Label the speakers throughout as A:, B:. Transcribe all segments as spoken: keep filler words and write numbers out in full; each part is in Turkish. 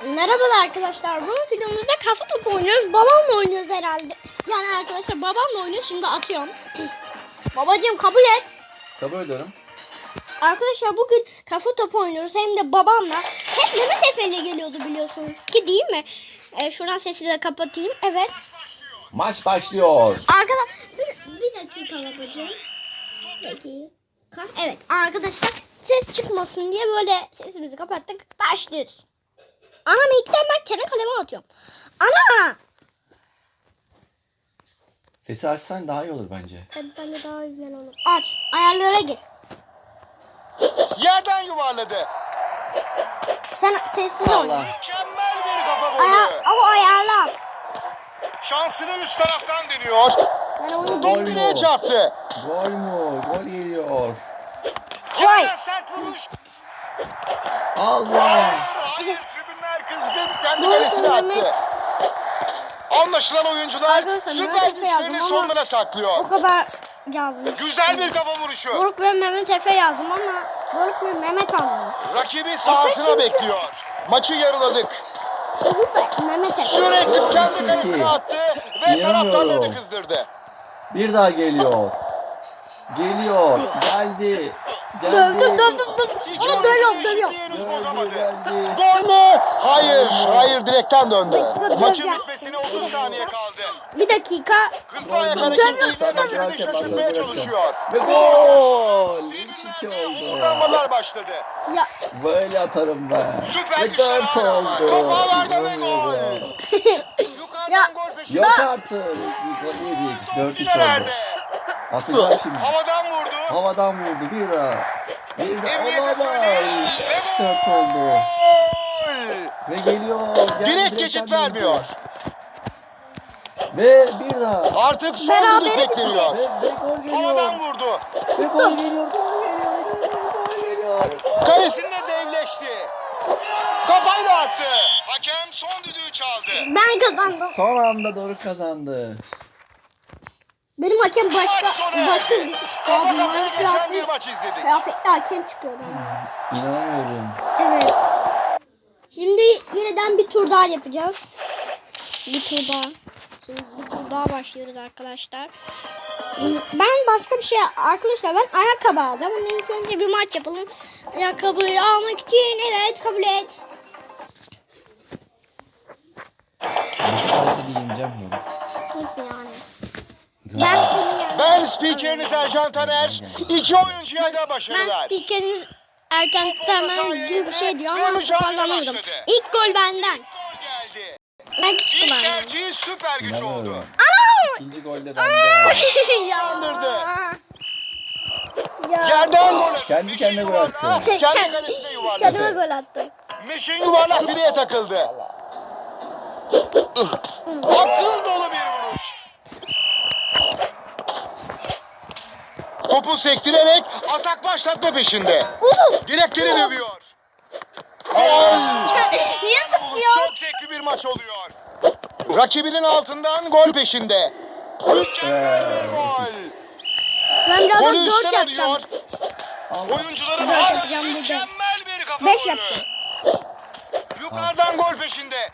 A: Merhabalar arkadaşlar. Bu videomuzda kafa topu oynuyoruz. Babamla oynuyoruz herhalde. Yani arkadaşlar babamla oynuyor. Şimdi atıyorum. Babacığım kabul et.
B: Kabul ediyorum.
A: Arkadaşlar bugün kafa topu oynuyoruz. Hem de babamla. Hep Mehmet Efe ile geliyordu biliyorsunuz ki, değil mi? Ee, şuradan sesi de kapatayım. Evet.
B: Maç başlıyor.
A: Arkadaşlar bir, bir dakika babacığım. Peki. Evet arkadaşlar ses çıkmasın diye böyle sesimizi kapattık. Başlıyoruz. Ana ilkten ben kendi kaleme atıyorum. Ana!
B: Sesi açsan daha iyi olur bence.
A: Tabii bence daha güzel olur. Aç. Ayarlara gir.
C: Yerden yuvarladı.
A: Sen sessiz oyna.
B: Allah.
C: Mükemmel bir kafa golü.
A: Ayar, ama ayarla.
C: Şansını üst taraftan deniyor.
A: Ben onu
B: Gol
C: Top direğe
B: mü?
C: çarptı.
B: Gol mu? Gol geliyor.
A: Vay.
C: Yerden sert vuruş.
B: Allah.
C: Hayır, tribünler kızgın. Kendi
A: Gol
C: kalesine
A: Mehmet.
C: attı. Anlaşılan oyuncular
A: Arkadaşlar,
C: süper
A: Mehmet Efe
C: güçlerini
A: yazdım
C: sonlara
A: o
C: saklıyor.
A: kadar yazdım.
C: Güzel bir kafa vuruşu.
A: Doruk ve Mehmet Efe yazdım ama Doruk ve Mehmet aldım.
C: Rakibi sahasına
A: çünkü-
C: bekliyor. Maçı yarıladık.
A: Doruk da Mehmet Efe.
C: Sürekli kendi
B: Çok
C: kalesine
B: iyi.
C: attı ve
B: İnanamıyorum.
C: taraftarlarını kızdırdı.
B: Bir daha geliyor. Geliyor. Geldi. Geldi.
A: Dövdüm dövdüm dövdüm.
C: İki
A: Onu
C: oyuncu
A: dövüyorum
C: eşitliği
A: dövüyorum.
C: henüz
B: Geldi,
C: bozamadı.
B: geldi.
C: Gol mü? Hayır, hayır direkten döndü.
A: Dakika,
C: Maçın
A: döveceğim.
C: bitmesine otuz saniye kaldı.
A: Bir dakika.
C: Hızlı ayak
B: Gol.
C: hareketleriyle
B: Sana
C: rakibini
B: bırakın,
C: şaşırtmaya
B: bırakın.
C: çalışıyor.
B: Ve gol. üç iki oldu.
C: Kullanmalar başladı.
A: Ya
B: Böyle atarım ben.
C: Süper
B: Ve
C: güçler
B: dört
C: hala var.
B: oldu.
C: Top ağlarda ve gol.
B: İnanamıyorum.
C: Yukarıdan
A: Ya.
C: gol peşinde.
B: Yok artık. Bir gol yedik. dört üç oldu.
C: Filelerde.
B: Atacağım şimdi.
C: Havadan vurdu.
B: Havadan vurdu bir daha. Bir daha
C: Emniyete
B: olamaz.
C: söyleyin.
B: dört oldu.
C: Gol.
B: Ve geliyor. Geldi,
C: Direkt
B: direkten
C: geçit
B: döndü.
C: vermiyor.
B: Ve bir daha.
C: Artık son
A: Berabere
C: düdük bekleniyor.
B: Ve, ve gol geliyor.
C: Havadan vurdu.
B: Ve gol geliyor. Gol geliyor. Gol geliyor.
C: Kalesinde devleşti. Kafayla attı. Hakem son düdüğü çaldı.
A: ben kazandım.
B: Son anda doğru kazandı.
A: Benim hakem
C: Maç
A: başka
C: sonu
A: başka
C: erdi.
A: birisi çıkıyor.
C: Kafa kafaya
A: Bunların
C: geçen bir
A: kıyafetli,
C: maç izledik.
A: kıyafetli hakem çıkıyor bana.
B: İnanamıyorum.
A: Evet. Şimdi yeniden bir tur daha yapacağız. Bir tur daha. Şimdi bir tur daha başlıyoruz arkadaşlar. Ben başka bir şey arkadaşlar ben ayakkabı alacağım. Ama ilk önce bir maç yapalım. Ayakkabıyı almak için evet kabul et.
B: Hadi giyineceğim bunu.
A: Nasıl yani? Ben senin yani.
C: Ben spikeriniz Ercan Taner. İki oyuncuya da
A: Ben
C: başarılar.
A: spikeriniz Erten Temen gibi bir şey diyor
C: Ve
A: ama
C: mücadele
A: kazanırdım.
C: başladı.
A: İlk gol benden.
C: Gol geldi.
A: Ben çıktı
C: İlk
A: benden.
C: erkeği süper güç oldu.
B: İnanamıyorum. İkinci golde bende.
A: ya.
C: Kandırdı.
A: Ya.
C: Yerden gol.
B: Kendi
C: Meşin
B: kendine gol
C: yuvarlağı
B: attı.
C: Kendi kalesine
A: Kendime
C: yuvarladı.
A: gol attım.
C: Meşin yuvarlak direğe takıldı. Akıl dolu bir vuruş. Topu sektirerek atak başlatma peşinde.
A: Oğlum.
C: Direkleri dövüyor. Gol.
A: Niye
C: Bulut,
A: zıplıyor?
C: çok zevkli bir maç oluyor. Rakibinin altından gol peşinde. Mükemmel bir gol.
A: Ben birazdan
C: Golü
A: dört
C: üstten
A: yapacağım.
C: alıyor. Oyuncuların
A: Dört
C: hala
A: yapacağım dedi.
C: mükemmel bir kafa
A: Beş
C: golü.
A: yapacağım.
C: Yukarıdan gol peşinde.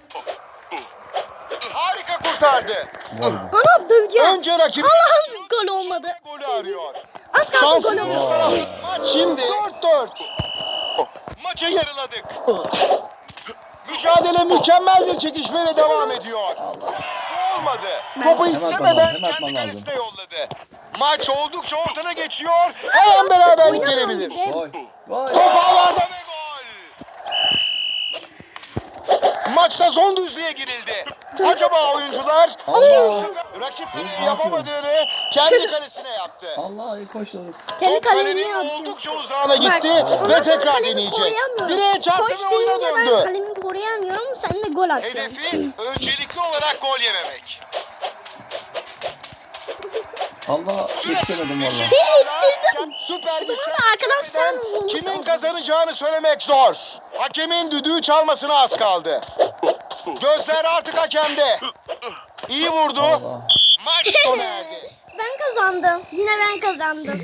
C: Harika kurtardı.
B: Gol bu.
A: Anam döveceğim.
C: Önce rakip
A: Allah'ım gol olmadı.
C: golü arıyor.
A: Az kalsın gol
C: Şansını üst
A: olmadı.
C: tarafı. Maç şimdi dört dört. Maçı yarıladık. Mücadele mükemmel bir çekişmeyle devam ediyor. Olmadı. Topu
B: Hemen
C: istemeden
B: atmam lazım, hemen
C: kendi
B: atmam
C: kalesine yolladı. Maç oldukça ortada geçiyor. Her an beraberlik gelebilir.
B: Gol. Gol.
C: Top ağlarda ve gol. Maçta son düzlüğe girildi. Acaba oyuncular
B: Allah.
C: rakiplerinin yapamadığını kendi kalesine yaptı.
B: Allah koşuyoruz.
A: Kendi
C: Top
A: kalemi
C: kalenin
A: atıyor.
C: oldukça uzağına gitti
A: Ondan
C: ve
A: sonra
C: tekrar
A: kalemi
C: deneyecek.
A: koruyamıyorum.
C: Direğe çarptı
A: Koş
C: ve oyuna
A: deyince ben
C: döndü.
A: kalemi koruyamıyorum. Sen de gol atıyorsun.
C: Hedefi öncelikli olarak gol yememek.
B: Allah istemedim valla.
A: Seni ittirdim.
C: Süper
A: Bu
C: güçler
A: da arkadan sen
C: geçmeden
A: vurmuş
C: kimin
A: oldun.
C: kazanacağını söylemek zor. Hakemin düdüğü çalmasına az kaldı. Gözler artık hakemde. İyi vurdu.
B: Allah.
C: Maç sona erdi.
A: Ben kazandım. Yine ben kazandım.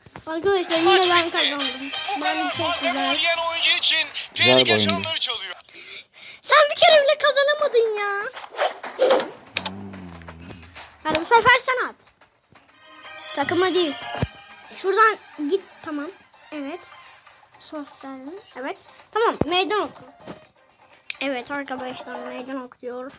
A: Arkadaşlar yine ben kazandım. Ben çok güzel.
C: Yiyen oyuncu için
B: Güzel bir
C: tehlike
B: oyundu.
C: çanları çalıyor.
A: bir kere bile kazanamadın ya. Hadi bu sefer sen at. Takıma değil. Şuradan git, tamam. Evet. Sosyal. Evet. Tamam, meydan oku. Evet arkadaşlar, meydan oku diyor.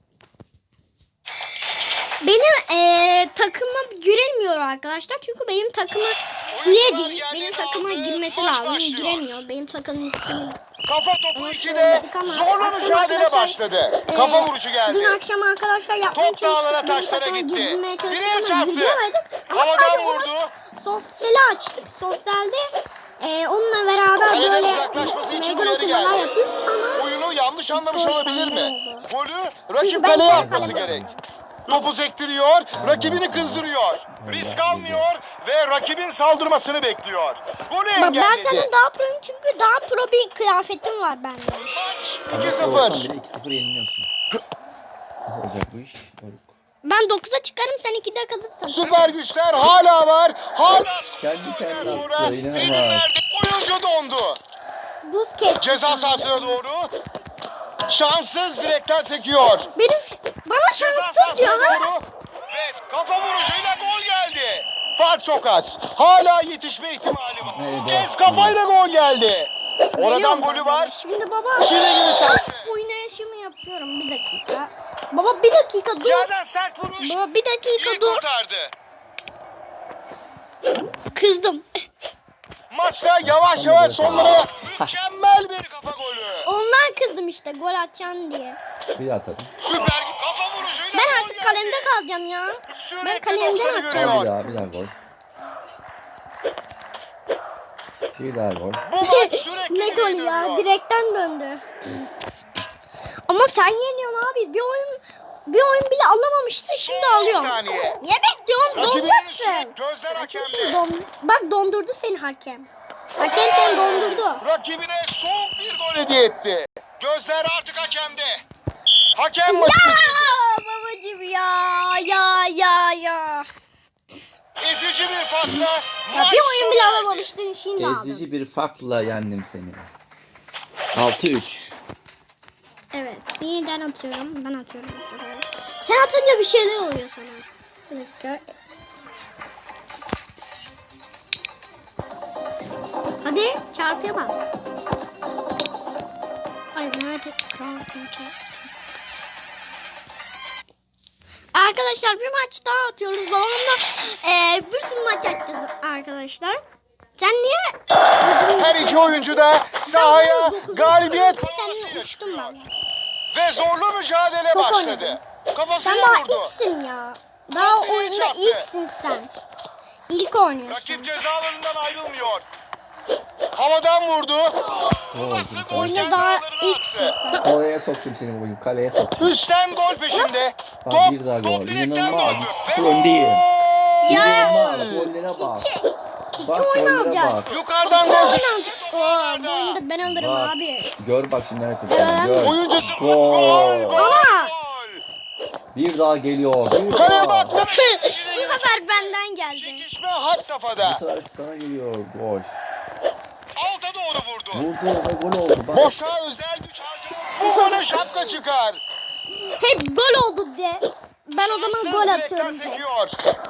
A: Benim ee, takımım girilmiyor arkadaşlar. Çünkü benim takımım üye değil. Benim takıma girmesi lazım. Giremiyor. Benim takımım ismini.
C: Kafa topu ikide zorlu mücadele başladı.
A: Ee,
C: Kafa vuruşu geldi.
A: Dün akşam arkadaşlar yapmaya
C: Top dağlara,
A: çalıştık. Benim
C: taşlara
A: takıma
C: gitti.
A: girmeye çalıştık
C: Direğe
A: ama
C: çarptı.
A: giremedik. Ama
C: Havadan
A: sadece o
C: vurdu.
A: maç Sosyali açtık. Sosyalde e, onunla beraber
C: Kaleden
A: böyle
C: uzaklaşması için
A: meydan
C: uyarı
A: okumalar
C: geldi.
A: yapıyoruz ama
C: Oyunu yanlış anlamış
A: Gol
C: olabilir mi?
A: sende oldu.
C: Golü
A: Çünkü
C: rakip
A: ben
C: kaleye
A: kendi
C: atması
A: kaleme-
C: gerek. Topu sektiriyor, rakibini kızdırıyor. Risk almıyor ve rakibin saldırmasını bekliyor. Golü
A: Bak, ben
C: engelledi.
A: senin daha proyum çünkü daha pro bir kıyafetim var bende.
C: iki sıfır.
B: Olsan bile iki sıfır yeniliyorsun. Nasıl olacak bu iş? Doruk.
A: Ben dokuza çıkarım, sen ikide kalırsın.
C: Süper güçler hala var. Hala
B: Kendi kendine
C: sonra
B: attı. İnanılmaz.
C: tribünlerde oyuncu dondu.
A: Buz kes.
C: Ceza sahasına doğru. Şanssız direkten sekiyor.
A: Benim bana
C: Ceza
A: şanssız
C: sahasına
A: diyor ha.
C: doğru. Ve kafa vuruşuyla gol geldi. Fark çok az. Hala yetişme ihtimali var.
B: Evet,
C: Bu kez
B: evet.
C: kafayla gol geldi. Oradan
A: Biliyorum
C: golü
A: ben
C: var.
A: bunu. Şimdi baba.
C: Çile gibi çarptı.
A: Oynayışımı yapıyorum, bir dakika. Baba bir dakika dur.
C: Yerden sert vuruş.
A: Baba bir dakika
C: İyi
A: dur.
C: kurtardı.
A: Kızdım.
C: Maçta yavaş yavaş sonlara mükemmel bir kafa golü.
A: Ondan kızdım işte, gol atacaksın diye.
B: Bir daha atalım.
C: Süper kafa vuruşuyla
A: Ben
C: gol
A: artık
C: geldi.
A: kalemde kalacağım ya.
C: Sürekli
A: Ben kalemden
C: doksanı
A: atacağım.
B: Bir
C: görüyor.
B: daha, bir daha gol. Bir daha gol.
C: Bu maç sürekli
A: Ne golü ya,
C: dönüyor.
A: direkten döndü. Ama sen yeniyorsun abi. Bir oyun bir oyun bile alamamıştın, şimdi alıyorum.
C: saniye.
A: Niye bekliyorum?
C: Rakibinin üstüne
A: Dondaksın.
C: gözler hakemde.
A: Don- Bak dondurdu seni hakem. Hakem seni dondurdu.
C: Rakibine soğuk bir gol hediye etti. Gözler artık hakemde. Hakem maçı
A: Ya
C: bitirdi.
A: babacım ya ya ya ya.
C: Ezici bir farkla
A: Ya
C: maç
A: bir oyun
C: sona
A: bile
C: erdi.
A: alamamıştın, şimdi aldın.
B: Ezici bir farkla yendim seni. altı üç.
A: Evet, yeniden atıyorum. Ben atıyorum bu sefer. Sen atınca bir şeyler oluyor sana. Bir dakika. Hadi çarpıya bas. Ay Mehmet kral kanka. Arkadaşlar bir maç daha atıyoruz. Babamla eee bir sürü maç atacağız arkadaşlar. Sen niye?
C: Her iki oyuncu da sahaya galibiyet
A: Sen uçtum ben.
C: ve zorlu mücadele
A: Çok
C: başladı.
A: oynadım. Sen
C: Kafasına
A: daha
C: vurdu.
A: ilksin ya. Daha
C: Top direği
A: oyunda
C: çarptı.
A: ilksin sen. İlk oynuyorsun.
C: Rakip cezalarından ayrılmıyor. Havadan vurdu. Nasıl gol
A: Oyunda
C: kendi
A: daha
C: ağlarına
A: ilksin
C: attı.
A: sen.
B: Oraya soktum seni bugün. Kaleye soktum.
C: Üstten gol peşinde.
B: Bak,
C: Top,
B: bir daha
C: top
B: gol.
C: direkten
B: İnanılmaz.
C: döndü.
B: Sıfır
C: Ve
B: öndeyim.
A: Ya
B: İnanılmaz. Gollere bak.
A: iki, iki
B: Bak
A: oyun
B: gollere
A: alacağız.
B: bak.
C: yukarıdan
A: İki
C: gol
A: oyun
C: peşinde.
A: alacağız.
C: top
A: Oo, bu
C: ağlarda.
A: oyunda ben alırım
B: Bak.
A: abi.
B: Gör bak şimdi nereye kurtardım. Gör.
C: Oyuncusu gol,
B: Gol.
C: gol,
A: Ama-
C: gol.
B: Bir daha geliyor. Bir
C: Kaleye
B: daha.
C: baktı.
A: Bu sefer benden geldi.
C: Çekişme had
B: Bu
C: safhada.
B: sefer sana geliyor. Gol.
C: Alta doğru vurdu.
B: Vurdu ve gol oldu. Bak.
C: Boşa özel güç harcama. Bu gole şapka çıkar.
A: Hep gol oldu de. Ben o zaman
C: Sız
A: gol
C: direkten
A: atıyorum. de.
C: sekiyor.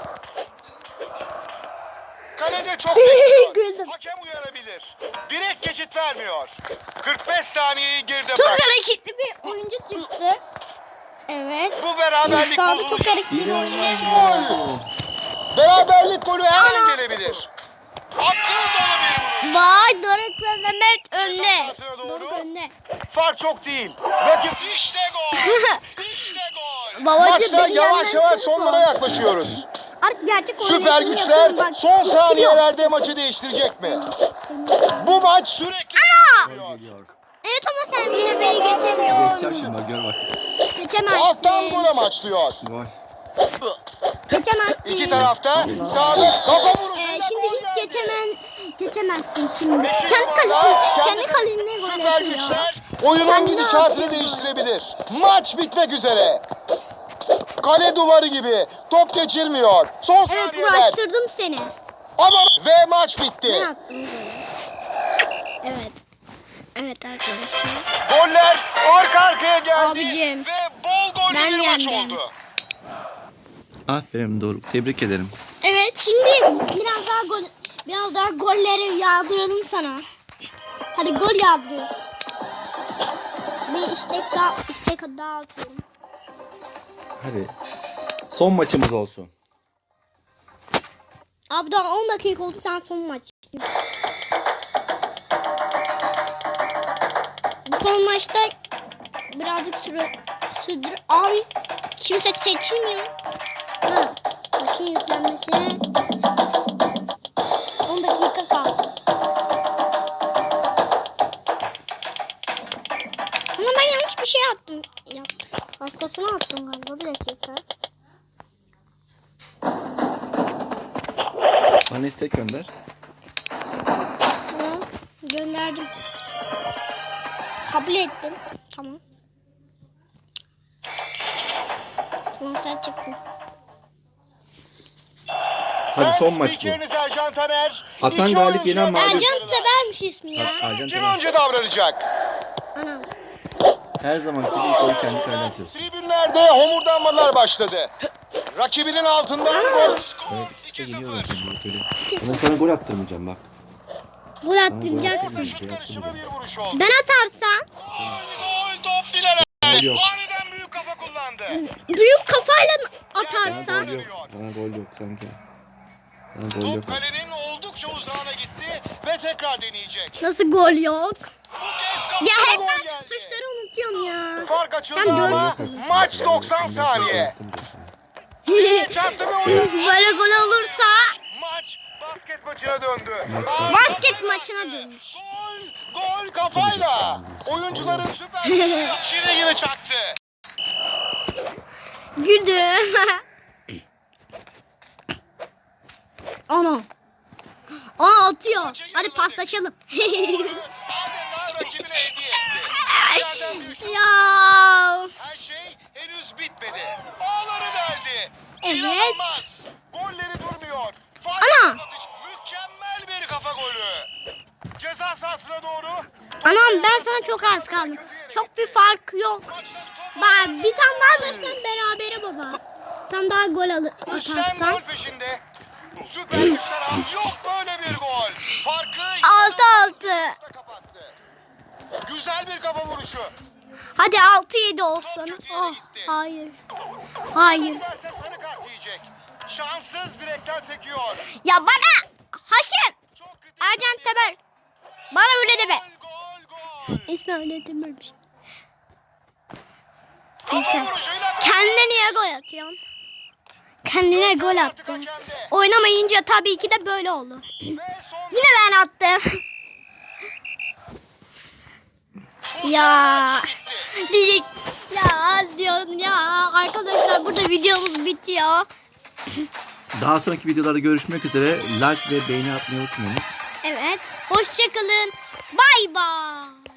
C: Kalede çok bekliyor.
A: Güldüm.
C: Hakem uyarabilir. Direkt geçit vermiyor. kırk beş saniyeyi geride
A: Çok
C: bırak.
A: hareketli bir oyuncu çıktı. Evet.
C: Bu beraberlik
A: Sağda çok
C: bozulacak.
A: hareketli bir oyuncu.
B: İnanılmaz.
C: Gol. Beraberlik golü her an
A: Ana.
C: gelebilir. Akıl dolu bir vuruş.
A: Vay Doruk ve Mehmet önde.
C: sahasına doğru.
A: Doruk önde.
C: Fark çok değil. Rakip işte gol. İşte gol.
A: Babacım,
C: Maçta
A: beni
C: yavaş
A: yenmen
C: yavaş
A: çok
C: sonlara
A: zor.
C: yaklaşıyoruz.
A: Artık gerçek
C: Süper
A: oynayışımı
C: güçler
A: yapıyorum. Bak,
C: son
A: bitiriyor.
C: saniyelerde maçı değiştirecek mi? Bu maç sürekli
B: Gol geliyor.
A: Evet ama sen yine beni geçemiyorsun.
B: Geçeceğim şimdi bak gör bak.
A: Geçemezsin.
C: alttan gol amaçlıyor.
B: Gol.
A: Geçemezsin.
C: İki tarafta sağda kafa
A: Ee,
C: vuruşuyla
A: şimdi
C: gol
A: hiç
C: geldi.
A: geçemen, geçemezsin şimdi.
C: Beşinci
A: Kendi
C: golda
A: kalesine, kendi
C: kendi
A: kalesine gol
C: Süper
A: atıyor.
C: güçler oyunun
A: Kendi
C: gidişatını
A: atıyor.
C: değiştirebilir. Maç bitmek üzere. Kale duvarı gibi top geçirmiyor. Son
A: Evet,
C: saniyeler.
A: uğraştırdım seni.
C: Ama ve maç bitti.
A: Ben attım golü. Evet. Evet arkadaşlar.
C: Goller arka arkaya geldi.
A: Abicim,
C: Ve bol gollü
A: ben
C: bir maç
A: yendim.
C: oldu.
B: Aferin Doruk. Tebrik ederim.
A: Evet, şimdi biraz daha gol, biraz daha golleri yağdıralım sana. Hadi gol yağdır. Bir istek daha, istek daha atıyorum.
B: Hadi. Son maçımız olsun.
A: Abi daha on dakika oldu, sen son maç. Bu son maçta birazcık süre sürdür. Abi kimse seçilmiyor. Ha, maçın yüklenmesine on dakika kaldı. Ama ben yanlış bir şey attım. Yaptım. Başkasına attım galiba. Bir dakika.
B: Bana istek gönder.
A: Tamam. Gönderdim. Kabul ettim. Tamam. Tamam, sen çıktın.
B: Hadi son
C: Ben
B: maç bu.
C: spikeriniz Ercan Taner.
B: Atan
C: İki
B: galip,
C: oyuncu
B: yenen mağlup.
C: başarılar.
A: Ercan severmiş ismi ya.
B: Ercan
C: Kim
B: Taner.
C: önce davranacak?
A: Anam.
B: Her zamanki gibi ilk golü kendi kalene atıyorsun.
C: Tribünlerde homurdanmalar başladı. Rakibinin altından gol.
B: Evet, işte geliyorlar şimdi böyle. Ben sana gol attırmayacağım bak.
A: Gol
B: Sana gol
A: attıracaksın.
B: attırmayacağım.
C: Şut
B: Gol
C: karışımı
B: attırmayacağım.
C: bir vuruş oldu.
A: Ben atarsam
C: Gol top filere.
B: Gol yok.
C: Aniden büyük kafa kullandı.
A: büyük kafayla
B: Bana
A: atarsan
B: gol yok. Bana gol yok sanki. Bana gol yok.
C: Top kalenin oldukça uzağına gitti ve tekrar deneyecek.
A: nasıl gol yok?
C: Bu kez kapıda
A: Ya hep
C: gol
A: ben
C: geldi.
A: tuşları unutuyorum ya.
C: Fark açıldı
A: Sen dört-
C: ama maç doksan saniye. Çarptı ve oyun.
A: Böyle gol olursa
C: Maç basket maçına döndü.
A: basket maçına dönmüş.
C: Gol, gol kafayla. Oyuncuların süper gücü şirin gibi çaktı.
A: Güldüm. Ana. Aa, atıyor. Hadi paslaşalım.
C: Adeta rakibine hediye etti. Yerden düştü.
A: ya.
C: Her şey henüz bitmedi. Ağları deldi.
A: Evet.
C: İnanılmaz. Golleri durmuyor. Fark
A: Ana.
C: atış. Mükemmel bir kafa golü. Ceza sahasına doğru.
A: Anam, ben sana çok az kaldım. Çok bir fark yok. Bak, bir tane daha alırsan berabere baba. Bir tane daha gol alır
C: Üstten
A: atarsan.
C: gol peşinde. Süper güçler al. Yok böyle bir gol. Farkı
A: Altı altı.
C: inanılmaz kapattı. Güzel bir kafa vuruşu.
A: Hadi altı yedi olsun. Oh, hayır. Hayır.
C: Verse sarı kart yiyecek. Şanssız direkten sekiyor.
A: Ya bana hakem
C: Çok kritik.
A: Ercan Teber. Bana öyle deme.
C: Gol gol.
A: İsmi öyle dememiş.
C: Kafa vuruşuyla gol.
A: Kendine niye gol atıyorsun? Kendine gol attı. Oynamayınca tabii ki de böyle oldu.
C: Ve son
A: Yine ben attım. ya. Diyecek. Ya diyorsun ya. Arkadaşlar, burada videomuz bitiyor.
B: Daha sonraki videolarda görüşmek üzere. Like ve beğeni atmayı unutmayın.
A: Evet. Hoşçakalın. Bay bay.